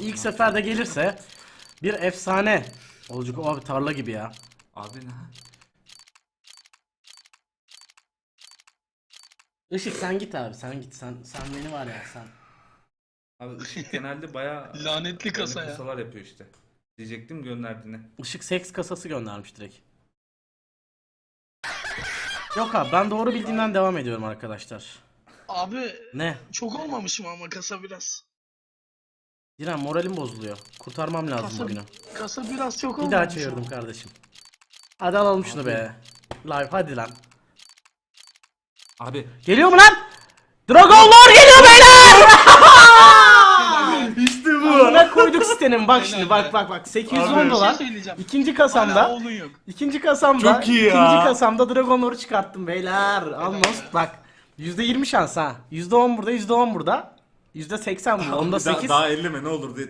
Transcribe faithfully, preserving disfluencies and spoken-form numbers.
İlk seferde gelirse bir efsane olacak. Abi tarla gibi ya. Abi ne? Işık sen git abi, sen git, sen sen beni var ya sen. Abi ışık genelde bayağı Lanetli kasa böyle ya. kasalar yapıyor işte. Diyecektim gönderdiğini. Işık seks kasası göndermiş direkt. Yok abi, ben doğru bildiğimden devam ediyorum arkadaşlar. Abi Ne? çok olmamış mı ama kasa biraz? Diren moralim bozuluyor. Kurtarmam lazım Kasa, bugünü. kasa biraz çok Bir olmamış daha ama. çevirdim kardeşim. Hadi alalım şunu be. Live hadi lan. Abi Geliyor mu lan? Dragonlar geliyor beyler! işte bu. Buna koyduk sitenin bak şimdi, Helal bak be. bak bak sekiz yüz Abi, on bir dolar. şey söyleyeceğim. İkinci Hala kasamda. oğlun yok. İkinci kasamda. Çok iyi ya. İkinci kasamda Dragonlar'ı çıkarttım beyler. Almost bak. yüzde yirmi şans ha. yüzde on burada, yüzde on burada. yüzde seksen burada. Onda Daha, sekiz. daha elleme ne olur diye.